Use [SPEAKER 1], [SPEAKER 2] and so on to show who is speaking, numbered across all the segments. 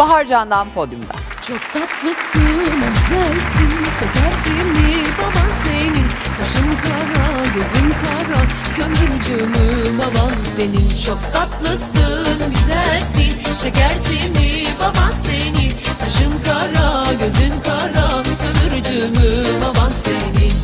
[SPEAKER 1] Bahar Can'dan podyumda.
[SPEAKER 2] Çok tatlısın, güzelsin, şekercimi baban senin. Kaşın kara, gözün kara, gönlümcümü baban senin. Çok tatlısın, güzelsin, şekercimi baban senin. Kaşın kara, gözün kara, kömürcümü baban senin.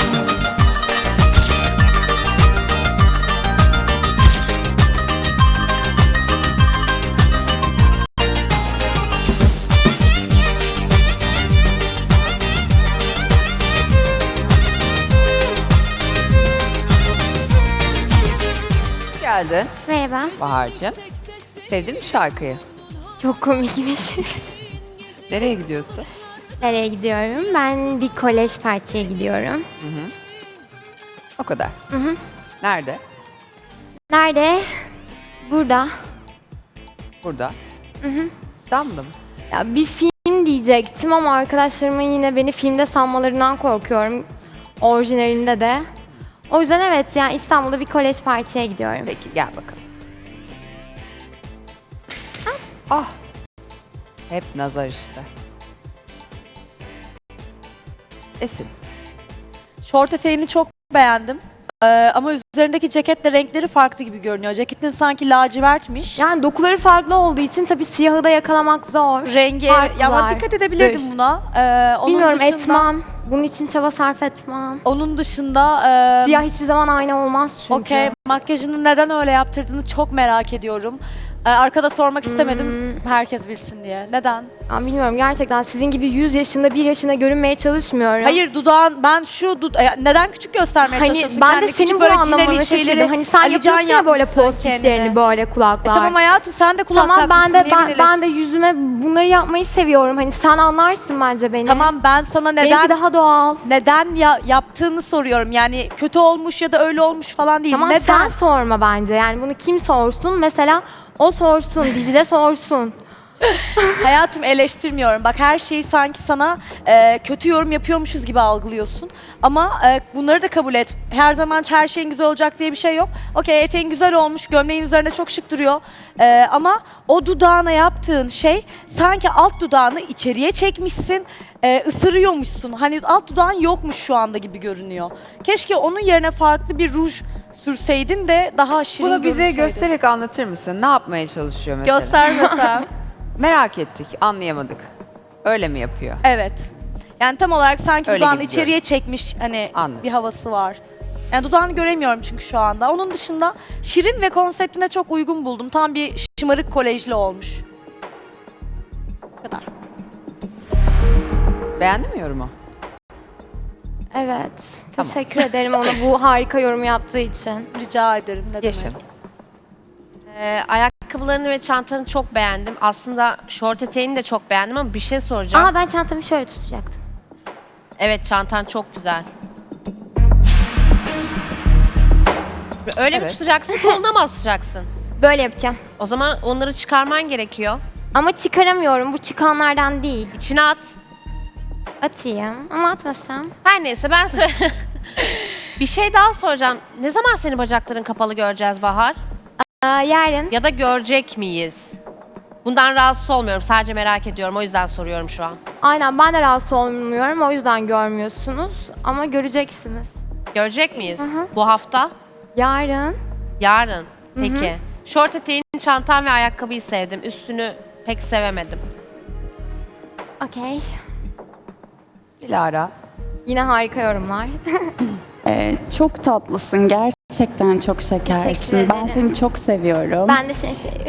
[SPEAKER 1] Geldin
[SPEAKER 3] Merhaba.
[SPEAKER 1] Bahar'cığım. Sevdin mi şarkıyı?
[SPEAKER 3] Çok komikmiş.
[SPEAKER 1] Nereye gidiyorsun?
[SPEAKER 3] Nereye gidiyorum? Ben bir kolej partiye gidiyorum.
[SPEAKER 1] O kadar.
[SPEAKER 3] Hı hı.
[SPEAKER 1] Nerede?
[SPEAKER 3] Nerede? Burada.
[SPEAKER 1] Burada. İstanbul'da mı?
[SPEAKER 3] Ya bir film diyecektim ama arkadaşlarımın yine beni filmde sanmalarından korkuyorum. Orijinalinde de. O yüzden evet yani İstanbul'da bir kolej partiye gidiyorum.
[SPEAKER 1] Peki gel bakalım. Ah. Hep nazar işte. Esin.
[SPEAKER 4] Şort eteğini çok beğendim. Ama üzerindeki ceketle renkleri farklı gibi görünüyor. Ceketin sanki lacivertmiş.
[SPEAKER 3] Yani dokuları farklı olduğu için tabii siyahı da yakalamak zor.
[SPEAKER 4] Rengi,
[SPEAKER 3] Farklılar.
[SPEAKER 4] ya ama dikkat edebilirdim buna. Onun
[SPEAKER 3] Bilmiyorum
[SPEAKER 4] dışında,
[SPEAKER 3] etmem. Bunun için çaba sarf etmem.
[SPEAKER 4] Onun dışında
[SPEAKER 3] Siyah hiçbir zaman aynı olmaz çünkü.
[SPEAKER 4] okey, makyajını neden öyle yaptırdığını çok merak ediyorum. Arkada sormak istemedim herkes bilsin diye. Neden?
[SPEAKER 3] Ya bilmiyorum gerçekten sizin gibi 100 yaşında 1 yaşında görünmeye çalışmıyorum.
[SPEAKER 4] Hayır dudağın, ben şu neden küçük göstermeye
[SPEAKER 3] Hani
[SPEAKER 4] çalışıyorsun?
[SPEAKER 3] ben de
[SPEAKER 4] Kendini?
[SPEAKER 3] senin
[SPEAKER 4] Küçük
[SPEAKER 3] bu
[SPEAKER 4] böyle
[SPEAKER 3] anlamını
[SPEAKER 4] çileli
[SPEAKER 3] şaşırdım.
[SPEAKER 4] şeyleri
[SPEAKER 3] Hani sen
[SPEAKER 4] Ali Can
[SPEAKER 3] yapıyorsun ya böyle
[SPEAKER 4] yapmışsın
[SPEAKER 3] post
[SPEAKER 4] kendine.
[SPEAKER 3] işlerini böyle kulaklar.
[SPEAKER 4] Tamam hayatım sen de kulak
[SPEAKER 3] Tamam ben
[SPEAKER 4] takmışsın.
[SPEAKER 3] de
[SPEAKER 4] niye
[SPEAKER 3] ben de yüzüme bunları yapmayı seviyorum. Hani sen anlarsın bence beni.
[SPEAKER 4] Tamam ben sana
[SPEAKER 3] Benimki
[SPEAKER 4] neden
[SPEAKER 3] daha doğal.
[SPEAKER 4] yaptığını soruyorum. Yani kötü olmuş ya da öyle olmuş falan değil.
[SPEAKER 3] Tamam
[SPEAKER 4] Neden?
[SPEAKER 3] sen sorma bence. Yani bunu kim sorsun? Mesela o sorsun, Dicle sorsun.
[SPEAKER 4] Hayatım eleştirmiyorum. Bak her şeyi sanki sana kötü yorum yapıyormuşuz gibi algılıyorsun. Ama bunları da kabul et. Her zaman her şeyin güzel olacak diye bir şey yok. Okey eteğin güzel olmuş, gömleğin üzerinde çok şık duruyor. Ama o dudağına yaptığın şey sanki alt dudağını içeriye çekmişsin, ısırıyormuşsun. Hani alt dudağın yokmuş şu anda gibi görünüyor. Keşke onun yerine farklı bir ruj sürseydin de daha şirin
[SPEAKER 1] Bunu bize
[SPEAKER 4] görünseydin.
[SPEAKER 1] göstererek anlatır mısın? Ne yapmaya çalışıyor mesela?
[SPEAKER 4] Göstermesem.
[SPEAKER 1] Merak ettik, anlayamadık. Öyle mi yapıyor?
[SPEAKER 4] Evet. Yani tam olarak sanki
[SPEAKER 1] Öyle
[SPEAKER 4] dudağını
[SPEAKER 1] gibi
[SPEAKER 4] içeriye çekmiş hani
[SPEAKER 1] Anladım.
[SPEAKER 4] bir havası var. Yani dudağını göremiyorum çünkü şu anda. Onun dışında şirin ve konseptine çok uygun buldum. Tam bir şımarık kolejli olmuş. Bu kadar.
[SPEAKER 1] Beğendin mi yorumu?
[SPEAKER 3] Evet.
[SPEAKER 1] Tamam.
[SPEAKER 3] Teşekkür ederim ona bu harika yorumu yaptığı için.
[SPEAKER 4] Rica ederim. Ne
[SPEAKER 1] Yaşa.
[SPEAKER 4] demek.
[SPEAKER 5] Ayakkabılarını ve çantanı çok beğendim. Aslında şort eteğini de çok beğendim ama bir şey soracağım.
[SPEAKER 3] Aa ben çantamı şöyle tutacaktım.
[SPEAKER 5] Evet çantan çok güzel. Öyle mi
[SPEAKER 1] Evet.
[SPEAKER 5] tutacaksın, koluna mı asacaksın?
[SPEAKER 3] Böyle yapacağım.
[SPEAKER 5] O zaman onları çıkarman gerekiyor.
[SPEAKER 3] Ama çıkaramıyorum. Bu çıkanlardan değil.
[SPEAKER 5] İçine at.
[SPEAKER 3] Atayım. Ama atmasam.
[SPEAKER 5] Her neyse ben bir şey daha soracağım. Ne zaman senin bacakların kapalı göreceğiz Bahar?
[SPEAKER 3] Yarın.
[SPEAKER 5] Ya da görecek miyiz? Bundan rahatsız olmuyorum. Sadece merak ediyorum. O yüzden soruyorum şu an.
[SPEAKER 3] Aynen ben de rahatsız olmuyorum. O yüzden görmüyorsunuz. Ama göreceksiniz.
[SPEAKER 5] Görecek miyiz? Bu hafta?
[SPEAKER 3] Yarın.
[SPEAKER 5] Yarın. Peki. Şort eteğin, çantan ve ayakkabıyı sevdim. Üstünü pek sevemedim.
[SPEAKER 3] Okey.
[SPEAKER 1] Dilara.
[SPEAKER 3] Yine harika yorumlar.
[SPEAKER 6] Çok tatlısın. Gerçekten çok
[SPEAKER 3] Teşekkür
[SPEAKER 6] şekersin.
[SPEAKER 3] ederim.
[SPEAKER 6] Ben seni çok seviyorum.
[SPEAKER 3] Ben de seni seviyorum.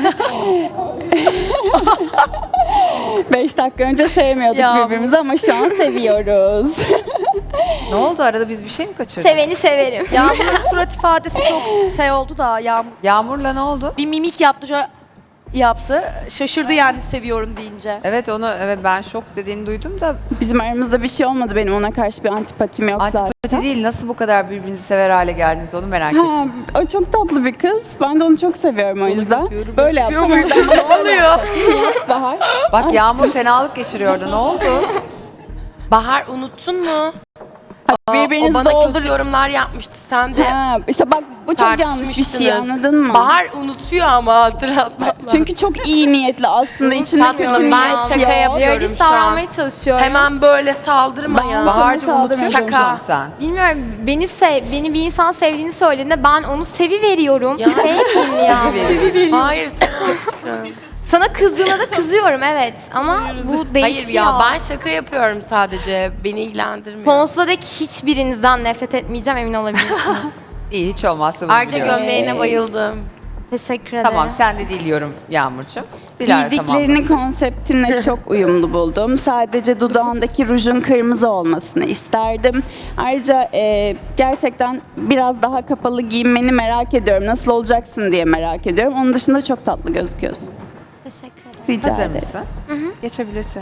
[SPEAKER 6] 5 dakika önce sevmiyorduk
[SPEAKER 4] Ya.
[SPEAKER 6] birbirimizi ama şu an seviyoruz.
[SPEAKER 1] Ne oldu arada biz bir şey mi kaçırdık?
[SPEAKER 3] Seveni severim.
[SPEAKER 4] Yağmur'un surat ifadesi çok şey oldu da Yağmur
[SPEAKER 1] Yağmur'la ne oldu?
[SPEAKER 4] bir mimik yaptı. Şöyle yaptı. Şaşırdı yani seviyorum deyince.
[SPEAKER 1] Evet ben şok dediğini duydum da
[SPEAKER 6] Bizim aramızda bir şey olmadı. Benim ona karşı bir antipatim yok
[SPEAKER 1] antipati
[SPEAKER 6] zaten.
[SPEAKER 1] değil, nasıl bu kadar birbirinizi sever hale geldiniz onu merak
[SPEAKER 6] Ha,
[SPEAKER 1] ettim.
[SPEAKER 6] o çok tatlı bir kız. Ben de onu çok seviyorum o yüzden.
[SPEAKER 1] yapıyorum,
[SPEAKER 6] Böyle yapsam
[SPEAKER 4] Ne oluyor?
[SPEAKER 6] Bahar.
[SPEAKER 1] Bak Yağmur fenalık geçiriyordu, ne oldu?
[SPEAKER 7] Bahar unuttun mu? O
[SPEAKER 6] Birbirinizi
[SPEAKER 7] bana
[SPEAKER 6] doldur.
[SPEAKER 7] kötü yorumlar yapmıştı. Sen de
[SPEAKER 6] Ha, işte bak bu çok yanlış bir şey, anladın mı?
[SPEAKER 7] Bahar unutuyor ama hatırlatmak lazım.
[SPEAKER 6] Çünkü çok iyi niyetli aslında içinde
[SPEAKER 7] Tatlım,
[SPEAKER 6] kötü
[SPEAKER 7] ben
[SPEAKER 6] niyet
[SPEAKER 7] şaka
[SPEAKER 6] yok.
[SPEAKER 7] yapıyorum.
[SPEAKER 3] Realistik davranmaya çalışıyorum.
[SPEAKER 7] Hemen böyle saldırma ya.
[SPEAKER 1] Bahar'cığım
[SPEAKER 6] saldırmaya
[SPEAKER 1] unutuyorsun
[SPEAKER 7] çalışıyorum.
[SPEAKER 1] sen.
[SPEAKER 3] Bilmiyorum, beni bir insan sevdiğini söylediğinde ben onu seviveriyorum. Sevmeyeyim ya.
[SPEAKER 7] Hayır sen aşkım.
[SPEAKER 3] Sana kızdığına da kızıyorum evet ama bu değişiyor.
[SPEAKER 7] Hayır ya ben şaka yapıyorum sadece. Beni ilgilendirmiyor.
[SPEAKER 3] Sonsuza dek hiçbirinizden nefret etmeyeceğim, emin olabilirsiniz.
[SPEAKER 1] İyi, hiç olmazsa bunu
[SPEAKER 7] Ayrıca
[SPEAKER 1] biliyorum.
[SPEAKER 7] gömleğine bayıldım.
[SPEAKER 3] Teşekkür ederim.
[SPEAKER 1] Tamam, sen de diliyorum Yağmurcuğum. Dilara
[SPEAKER 6] Giydiklerini
[SPEAKER 1] tamamlasın.
[SPEAKER 6] konseptinle çok uyumlu buldum. Sadece dudağındaki rujun kırmızı olmasını isterdim. Ayrıca gerçekten biraz daha kapalı giyinmeni merak ediyorum. Nasıl olacaksın diye merak ediyorum. Onun dışında çok tatlı gözüküyorsun.
[SPEAKER 3] Teşekkür ederim.
[SPEAKER 6] Rica
[SPEAKER 1] Hazır
[SPEAKER 6] ederim.
[SPEAKER 1] mısın? Geçebilirsin.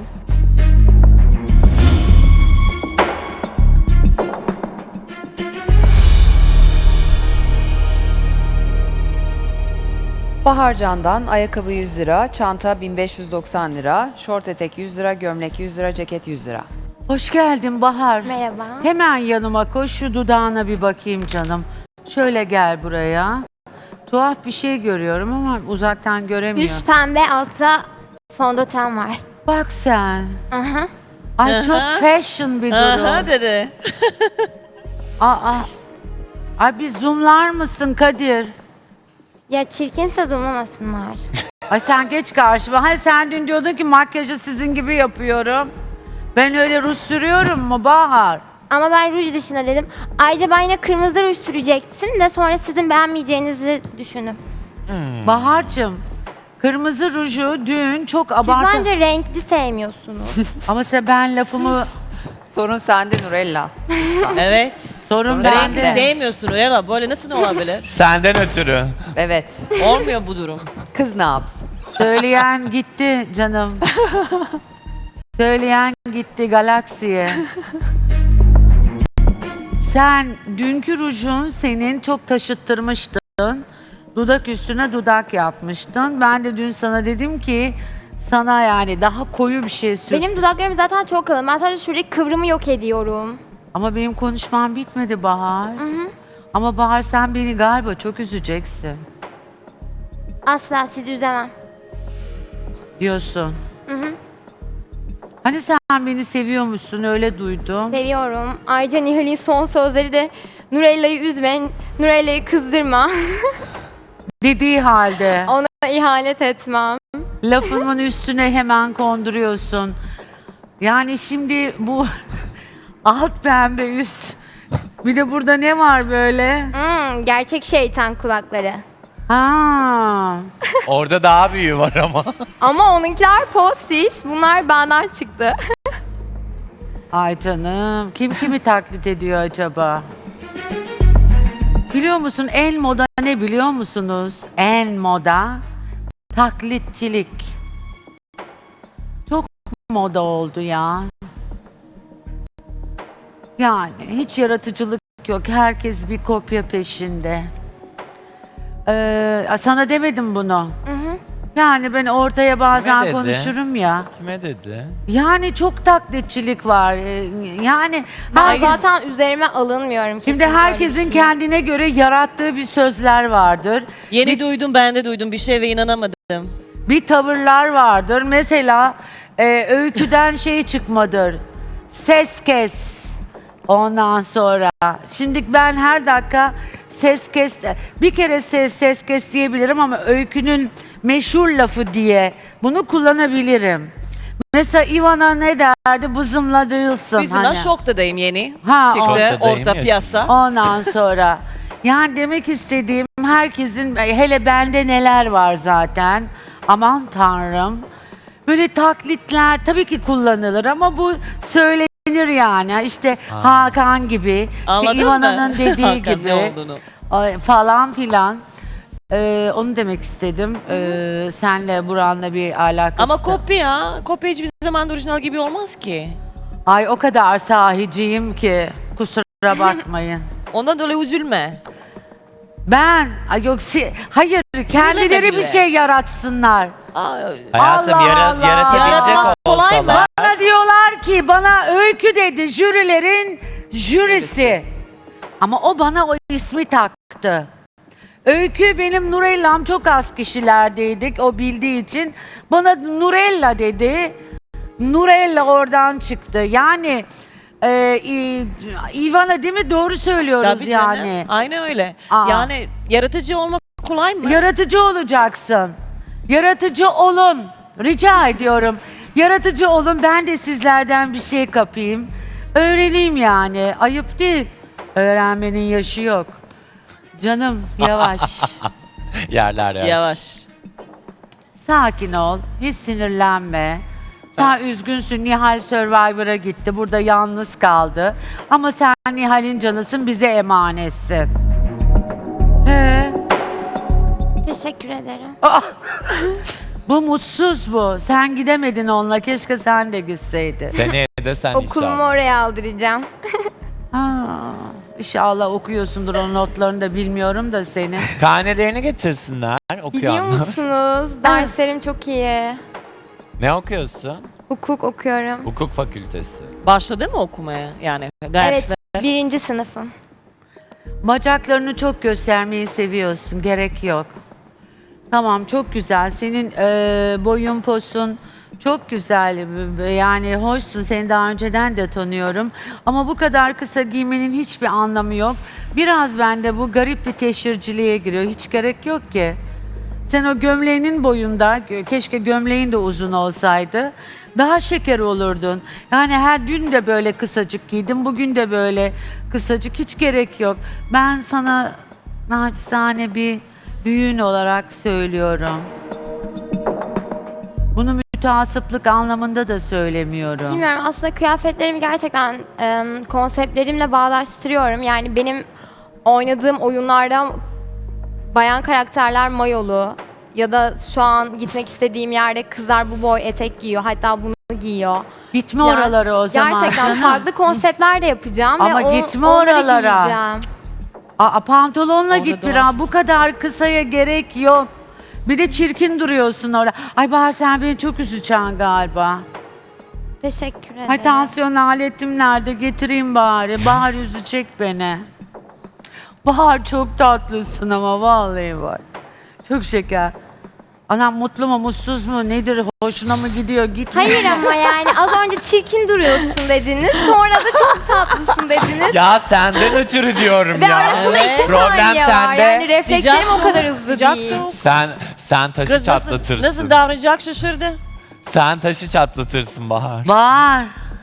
[SPEAKER 1] Baharcan'dan ayakkabı 100 lira, çanta 1590 lira, şort etek 100 lira, gömlek 100 lira, ceket 100 lira.
[SPEAKER 8] Hoş geldin Bahar.
[SPEAKER 3] Merhaba.
[SPEAKER 8] Hemen yanıma koş, şu dudağına bir bakayım canım. Şöyle gel buraya. Tuhaf bir şey görüyorum ama uzaktan göremiyorum.
[SPEAKER 3] Üst pembe, altta fondöten var.
[SPEAKER 8] Bak sen.
[SPEAKER 3] Aha.
[SPEAKER 8] Ay çok fashion bir durum.
[SPEAKER 9] dedi.
[SPEAKER 8] Aa. Ay bir zoomlar mısın Kadir?
[SPEAKER 3] Ya çirkinse zoomlamasınlar.
[SPEAKER 8] Ay sen geç karşıma. Hani sen dün diyordun ki makyajı sizin gibi yapıyorum. Ben öyle ruj sürüyorum mu Bahar?
[SPEAKER 3] Ama ben ruj dışında dedim. Ayrıca ben yine kırmızı ruj sürecektim de sonra sizin beğenmeyeceğinizi düşündüm.
[SPEAKER 8] Bahar'cığım, kırmızı ruju dün çok
[SPEAKER 3] Siz
[SPEAKER 8] abartı.
[SPEAKER 3] bence renkli sevmiyorsunuz.
[SPEAKER 8] Ama ben lafımı...
[SPEAKER 1] Sorun sende Nurella.
[SPEAKER 9] Evet.
[SPEAKER 8] Sorun
[SPEAKER 9] Renkli
[SPEAKER 8] bende.
[SPEAKER 9] sevmiyorsun Uyara. Böyle nasıl olabilir?
[SPEAKER 10] Senden ötürü.
[SPEAKER 1] Evet.
[SPEAKER 9] Olmuyor bu durum.
[SPEAKER 1] Kız ne yapsın?
[SPEAKER 8] Söyleyen gitti canım. Söyleyen gitti galaksiye. Sen dünkü rujun senin çok taşıttırmıştın. Dudak üstüne dudak yapmıştın. Ben de dün sana dedim ki sana yani daha koyu bir şey sürsün.
[SPEAKER 3] Benim dudaklarım zaten çok kalın. Ben sadece şuradaki kıvrımı yok ediyorum.
[SPEAKER 8] Ama benim konuşmam bitmedi Bahar. Ama Bahar sen beni galiba çok üzeceksin
[SPEAKER 3] Asla sizi üzemem.
[SPEAKER 8] diyorsun. Hani sen beni seviyormuşsun öyle duydum.
[SPEAKER 3] Seviyorum. Ayrıca Nihal'in son sözleri de Nurella'yı üzme, Nurella'yı kızdırma.
[SPEAKER 8] Dediği halde
[SPEAKER 3] Ona ihanet etmem.
[SPEAKER 8] lafımın üstüne hemen konduruyorsun. Yani şimdi bu alt pembe üst. Bir de burada ne var böyle?
[SPEAKER 3] Gerçek şeytan kulakları.
[SPEAKER 8] Ha.
[SPEAKER 10] Orada daha büyüğü var ama.
[SPEAKER 3] Ama onunkiler postiş. Bunlar benden çıktı.
[SPEAKER 8] Ay canım. Kim kimi taklit ediyor acaba? Biliyor musun en moda ne biliyor musunuz? En moda taklitçilik. Çok moda oldu ya. Yani hiç yaratıcılık yok. Herkes bir kopya peşinde. Sana demedim bunu. Yani ben ortaya bazen
[SPEAKER 10] dedi?
[SPEAKER 8] konuşurum ya.
[SPEAKER 10] Kime dedi?
[SPEAKER 8] Yani çok taklitçilik var. Yani
[SPEAKER 3] Ben
[SPEAKER 8] herkes,
[SPEAKER 3] zaten üzerime alınmıyorum.
[SPEAKER 8] şimdi
[SPEAKER 3] kesinlikle öyle
[SPEAKER 8] herkesin
[SPEAKER 3] düşünüyorum.
[SPEAKER 8] kendine göre yarattığı bir sözler vardır.
[SPEAKER 9] Yeni duydum, ben de duydum bir şey ve inanamadım.
[SPEAKER 8] Bir tavırlar vardır. Mesela öyküden şey çıkmadır. Ses kes. Ondan sonra. Şimdi ben her dakika ses kes. Bir kere ses kes diyebilirim ama öykünün meşhur lafı diye bunu kullanabilirim. Mesela Ivana ne derdi? Bızımla duyulsun.
[SPEAKER 9] Bizim
[SPEAKER 8] hani.
[SPEAKER 9] şoktadayım yeni.
[SPEAKER 8] Ha,
[SPEAKER 9] Çıktı
[SPEAKER 10] Şoktadayım
[SPEAKER 9] orta
[SPEAKER 10] ya.
[SPEAKER 9] piyasa.
[SPEAKER 8] Ondan sonra. Yani demek istediğim herkesin hele bende neler var zaten. Aman tanrım. Böyle taklitler tabii ki kullanılır ama bu söylenir yani. İşte Hakan gibi,
[SPEAKER 9] Anladın
[SPEAKER 8] işte Ivana'nın
[SPEAKER 9] mı?
[SPEAKER 8] dediği
[SPEAKER 9] Hakan
[SPEAKER 8] gibi
[SPEAKER 9] ne olduğunu.
[SPEAKER 8] falan filan. Onu demek istedim. Senle Buran'la bir alakası.
[SPEAKER 9] Ama kopya, kopya hiçbir zaman da orijinal gibi olmaz ki.
[SPEAKER 8] Ay o kadar sahiciyim ki kusura bakmayın.
[SPEAKER 9] Ondan dolayı üzülme.
[SPEAKER 8] Hayır kendileri
[SPEAKER 9] bile.
[SPEAKER 8] bir şey yaratsınlar.
[SPEAKER 9] Aa,
[SPEAKER 10] Hayatım
[SPEAKER 8] Allah Allah.
[SPEAKER 10] yaratabilecek
[SPEAKER 9] Yaratmak kolay
[SPEAKER 10] olsalar.
[SPEAKER 9] mı?
[SPEAKER 8] Bana bana Öykü dedi, jürilerin jürisi. Ama o bana o ismi taktı. Öykü benim Nurella'm, çok az kişilerdeydik o bildiği için. Bana Nurella dedi. Nurella oradan çıktı. Yani Ivana değil mi? Doğru söylüyoruz
[SPEAKER 9] Tabii canım.
[SPEAKER 8] yani.
[SPEAKER 9] Aynen öyle.
[SPEAKER 8] Aa.
[SPEAKER 9] Yani yaratıcı olmak kolay mı?
[SPEAKER 8] Yaratıcı olacaksın. Yaratıcı olun. Rica ediyorum. Yaratıcı olun. Ben de sizlerden bir şey kapayım. Öğreneyim yani. Ayıp değil. Öğrenmenin yaşı yok. Canım yavaş.
[SPEAKER 10] Yerler yer.
[SPEAKER 9] Yavaş.
[SPEAKER 8] Sakin ol. Hiç sinirlenme. Sen üzgünsün. Nihal Survivor'a gitti. Burada yalnız kaldı. Ama sen Nihal'in canısın. Bize emanetsin. He.
[SPEAKER 3] Teşekkür ederim.
[SPEAKER 8] Bu mutsuz bu. Sen gidemedin onunla. Keşke sen de gitseydin.
[SPEAKER 10] Seneye de sen
[SPEAKER 3] Okulumu
[SPEAKER 10] inşallah.
[SPEAKER 3] oraya aldıracağım.
[SPEAKER 8] Ha, İnşallah okuyorsundur, o notlarını da bilmiyorum da senin.
[SPEAKER 10] Karnelerini getirsinler
[SPEAKER 3] Biliyor
[SPEAKER 10] okuyanlar.
[SPEAKER 3] musunuz? Derslerim çok iyi.
[SPEAKER 10] Ne okuyorsun?
[SPEAKER 3] Hukuk okuyorum.
[SPEAKER 10] Hukuk fakültesi.
[SPEAKER 9] Başladı mı okumaya? Yani dersler.
[SPEAKER 3] Evet, 1. sınıfım.
[SPEAKER 8] Bacaklarını çok göstermeyi seviyorsun. Gerek yok. Tamam, çok güzel. Senin boyun posun çok güzel. Yani hoşsun. Seni daha önceden de tanıyorum. Ama bu kadar kısa giymenin hiçbir anlamı yok. Biraz bende bu garip bir teşhirciliğe giriyor. Hiç gerek yok ki. Sen o gömleğinin boyunda, keşke gömleğin de uzun olsaydı, daha şeker olurdun. Yani her dün de böyle kısacık giydim, bugün de böyle kısacık, hiç gerek yok. Ben sana naçizane bir büyüğün olarak söylüyorum. Bunu müteasıplık anlamında da söylemiyorum.
[SPEAKER 3] Bilmiyorum, aslında kıyafetlerimi gerçekten konseptlerimle bağdaştırıyorum. Yani benim oynadığım oyunlarda bayan karakterler mayolu ya da şu an gitmek istediğim yerde kızlar bu boy etek giyiyor, hatta bunu giyiyor.
[SPEAKER 8] Gitme
[SPEAKER 3] Yani
[SPEAKER 8] oralara o zaman.
[SPEAKER 3] Gerçekten
[SPEAKER 8] canım.
[SPEAKER 3] farklı konseptler de yapacağım
[SPEAKER 8] Ama
[SPEAKER 3] ve
[SPEAKER 8] gitme
[SPEAKER 3] onları
[SPEAKER 8] oralara.
[SPEAKER 3] giyeceğim.
[SPEAKER 8] Pantolonla
[SPEAKER 9] Orada
[SPEAKER 8] git
[SPEAKER 9] da
[SPEAKER 8] biraz.
[SPEAKER 9] var.
[SPEAKER 8] Bu kadar kısaya gerek yok. Bir de çirkin duruyorsun orada. Ay Bahar, sen beni çok üzeceksin galiba.
[SPEAKER 3] Teşekkür ederim.
[SPEAKER 8] Ay tansiyon aletim nerede? Getireyim bari. Bahar üzecek beni. Bahar çok tatlısın ama vallahi bak. Çok şeker. Anam mutlu mu mutsuz mu nedir? Hoşuna mı gidiyor? Gitme.
[SPEAKER 3] Hayır ama yani az önce çirkin duruyorsun dediniz. Sonra da çok tatlısın dediniz.
[SPEAKER 10] Ya senden ötürü diyorum
[SPEAKER 3] Ve
[SPEAKER 10] ya.
[SPEAKER 3] arasında 2
[SPEAKER 10] Problem
[SPEAKER 3] saniye var.
[SPEAKER 10] sende.
[SPEAKER 3] Yani reflekslerim o kadar hızlı
[SPEAKER 9] Sıcak
[SPEAKER 3] değil.
[SPEAKER 9] soğuk.
[SPEAKER 10] Sen taşı
[SPEAKER 9] Kız
[SPEAKER 10] çatlatırsın.
[SPEAKER 9] nasıl davranacak şaşırdı.
[SPEAKER 10] Sen taşı çatlatırsın Bahar.
[SPEAKER 8] Bahar.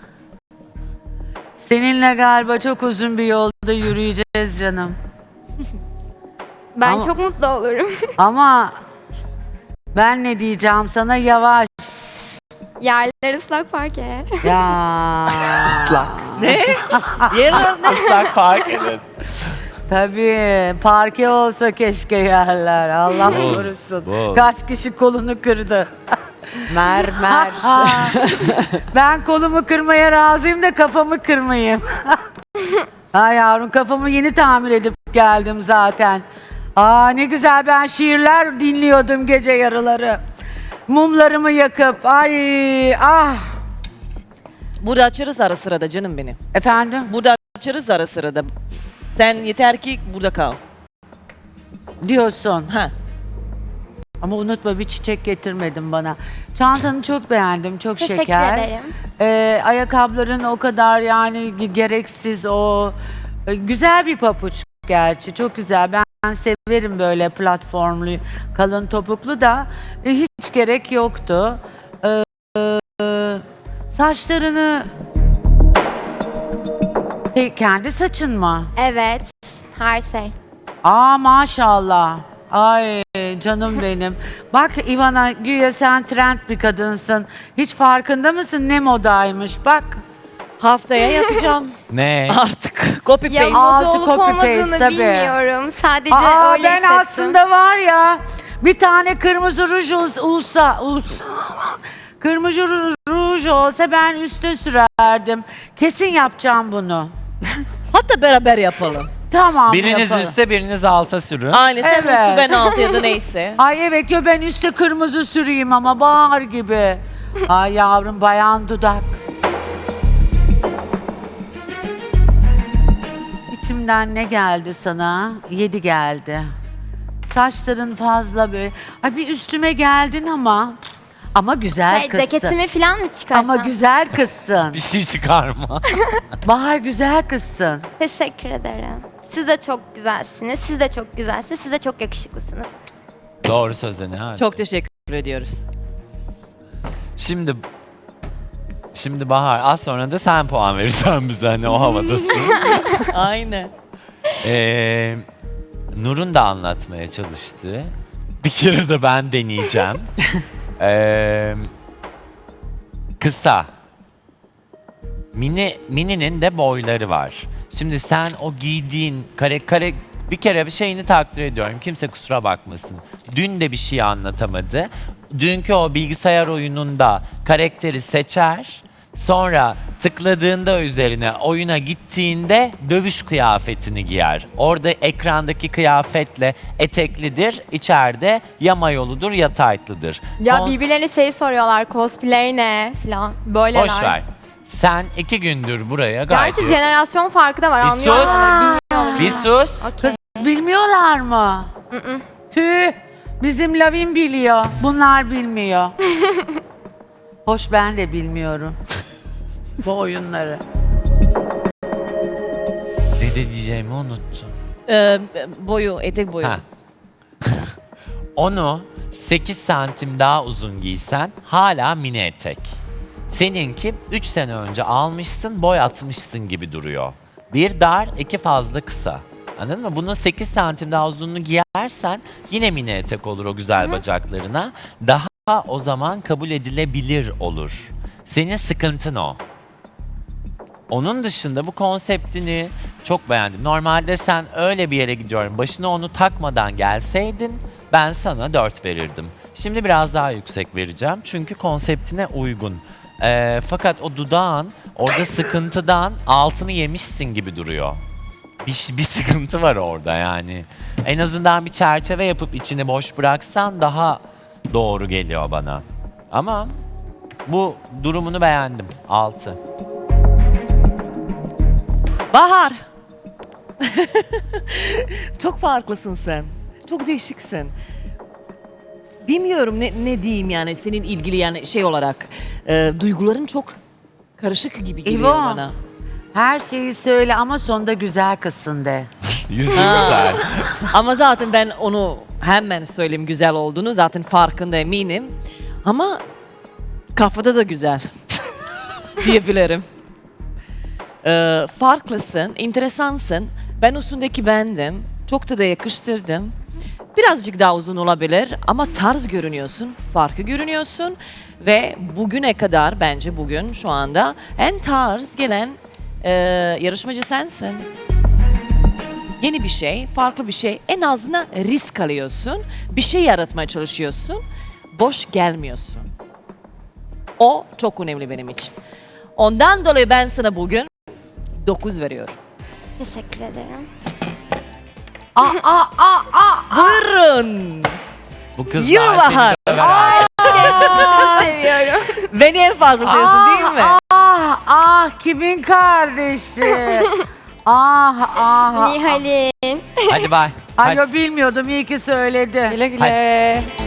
[SPEAKER 8] Seninle galiba çok uzun bir yolda yürüyeceğiz canım.
[SPEAKER 3] Ben
[SPEAKER 8] Ama-
[SPEAKER 3] çok mutlu olurum.
[SPEAKER 8] Ama ben ne diyeceğim sana, yavaş.
[SPEAKER 3] Yerler ıslak parke.
[SPEAKER 8] Ya.
[SPEAKER 9] Ne? Yerler ne?
[SPEAKER 10] Islak fark edin.
[SPEAKER 8] Tabii parke olsa keşke yerler. Allah
[SPEAKER 10] Buz,
[SPEAKER 8] korusun.
[SPEAKER 10] buz.
[SPEAKER 8] Kaç kişi kolunu kırdı.
[SPEAKER 1] Mermer.
[SPEAKER 8] Ben kolumu kırmaya razıyım da kafamı kırmayayım. Ha yavrum, kafamı yeni tamir edip geldim zaten. Ne güzel, ben şiirler dinliyordum gece yarıları. Mumlarımı yakıp
[SPEAKER 9] Burada açarız ara sırada canım benim.
[SPEAKER 8] Efendim
[SPEAKER 9] Burada açarız ara sırada. Sen yeter ki burada kal.
[SPEAKER 8] diyorsun.
[SPEAKER 9] Ha.
[SPEAKER 8] Ama unutma, bir çiçek getirmedin bana. Çantanı çok beğendim, çok
[SPEAKER 3] Teşekkür
[SPEAKER 8] şeker.
[SPEAKER 3] ederim.
[SPEAKER 8] Ayakkabıların o kadar yani gereksiz, o güzel bir papuç gerçi, çok güzel. Ben severim böyle platformlu, kalın topuklu da hiç gerek yoktu. Saçlarını kendi saçın mı?
[SPEAKER 3] Evet, her şey.
[SPEAKER 8] Maşallah. Ay canım benim. Bak Ivana, güya sen trend bir kadınsın. Hiç farkında mısın ne modaymış bak.
[SPEAKER 9] Haftaya yapacağım.
[SPEAKER 10] Ne?
[SPEAKER 9] Artık copy
[SPEAKER 3] Ya
[SPEAKER 9] paste.
[SPEAKER 8] Altı
[SPEAKER 3] moda olup
[SPEAKER 8] copy paste,
[SPEAKER 3] olmadığını
[SPEAKER 8] tabii.
[SPEAKER 3] bilmiyorum. Sadece öyle
[SPEAKER 8] Ben
[SPEAKER 3] hissettim.
[SPEAKER 8] aslında var ya, bir tane kırmızı ruj kırmızı ruj olsa ben üste sürerdim. Kesin yapacağım bunu.
[SPEAKER 9] Hatta beraber yapalım.
[SPEAKER 8] Tamam,
[SPEAKER 10] Biriniz
[SPEAKER 8] yapalım.
[SPEAKER 10] üstte biriniz alta sürün.
[SPEAKER 9] Aynı sen
[SPEAKER 8] Evet.
[SPEAKER 9] üstü ben altı ya da neyse.
[SPEAKER 8] Ay evet, ben üstte kırmızı süreyim ama Bahar gibi. Ay yavrum, bayan dudak. İçimden ne geldi sana? 7 geldi. Saçların fazla böyle. Ay bir üstüme geldin ama. Ama güzel kızsın.
[SPEAKER 3] Ceketimi falan mı çıkarsam?
[SPEAKER 8] Ama güzel kızsın.
[SPEAKER 10] Bir şey çıkarma.
[SPEAKER 8] Bahar güzel kızsın.
[SPEAKER 3] Teşekkür ederim. Siz de çok güzelsiniz. Siz de çok güzelsiniz. Siz de çok yakışıklısınız.
[SPEAKER 10] Doğru sözde ne harcı?
[SPEAKER 9] Çok teşekkür ediyoruz.
[SPEAKER 10] Şimdi Bahar az sonra da sen puan vereceksin bize hani o havadasın.
[SPEAKER 9] Aynen.
[SPEAKER 10] Nur'un da anlatmaya çalıştı. Bir kere de ben deneyeceğim. Kısa. Mini'nin de boyları var. Şimdi sen o giydiğin kare bir kere bir şeyini takdir ediyorum. Kimse kusura bakmasın. Dün de bir şey anlatamadı. Dünkü o bilgisayar oyununda karakteri seçer. Sonra tıkladığında üzerine oyuna gittiğinde dövüş kıyafetini giyer. Orada ekrandaki kıyafetle eteklidir. İçeride ya mayoludur ya taytlıdır.
[SPEAKER 3] Ya birbirlerine şey soruyorlar. Cosplay ne falan. Böyleler.
[SPEAKER 10] Boş ver. Sen 2 gündür buraya gayet
[SPEAKER 3] Gerçi
[SPEAKER 10] iyi.
[SPEAKER 3] jenerasyon farkı da var.
[SPEAKER 10] Bir
[SPEAKER 3] Anlıyorlar.
[SPEAKER 10] sus. Bir sus.
[SPEAKER 3] Okey.
[SPEAKER 8] Bilmiyorlar mı? Tüh. Bizim Lavin biliyor. Bunlar bilmiyor. Hoş ben de bilmiyorum. Bu oyunları.
[SPEAKER 10] Ne diyeceğimi unuttum.
[SPEAKER 9] Boyu, etek boyu.
[SPEAKER 10] Ha. Onu 8 santim daha uzun giysen hala mini etek. Seninki 3 sene önce almışsın, boy atmışsın gibi duruyor. Bir dar, 2 fazla kısa. Anladın mı? Bunun 8 santim daha uzunluğunu giyersen yine mini etek olur o güzel bacaklarına. Daha o zaman kabul edilebilir olur. Senin sıkıntın o. Onun dışında bu konseptini çok beğendim. Normalde sen öyle bir yere gidiyorum, başına onu takmadan gelseydin ben sana 4 verirdim. Şimdi biraz daha yüksek vereceğim çünkü konseptine uygun. Fakat o dudağın orada sıkıntıdan altını yemişsin gibi duruyor. Bir sıkıntı var orada yani. En azından bir çerçeve yapıp içini boş bıraksan daha doğru geliyor bana. Ama bu durumunu beğendim. 6.
[SPEAKER 9] Bahar. Çok farklısın sen. Çok değişiksin. Bilmiyorum ne diyeyim yani senin ilgili yani şey olarak duyguların çok karışık gibi geliyor
[SPEAKER 8] İvo.
[SPEAKER 9] bana.
[SPEAKER 8] Her şeyi söyle ama sonunda güzel kızsın de.
[SPEAKER 10] Yüzü güzel.
[SPEAKER 9] Ama zaten ben onu hemen söyleyeyim güzel olduğunu zaten farkında eminim. Ama kafada da güzel diyebilirim. Farklısın, enteresansın. Ben üstündeki bendim. Çok da yakıştırdım. Birazcık daha uzun olabilir ama tarz görünüyorsun, farklı görünüyorsun. Ve bugüne kadar bence bugün şu anda en tarz gelen yarışmacı sensin. Yeni bir şey, farklı bir şey. En azından risk alıyorsun. Bir şey yaratmaya çalışıyorsun. Boş gelmiyorsun. O çok önemli benim için. Ondan dolayı ben sana bugün 9 veriyorum.
[SPEAKER 3] Teşekkür ederim.
[SPEAKER 9] Buyurun.
[SPEAKER 10] Bu kızlar
[SPEAKER 9] Yürü Bahar.
[SPEAKER 10] seni döver.
[SPEAKER 3] Sizi seviyorum.
[SPEAKER 9] Beni en fazla seviyorsun değil mi?
[SPEAKER 8] Kimin kardeşi? ah.
[SPEAKER 3] Nihal'in.
[SPEAKER 10] Hadi bay.
[SPEAKER 8] Ay
[SPEAKER 10] Hadi.
[SPEAKER 8] bilmiyordum iyi ki söyledi.
[SPEAKER 1] Güle güle.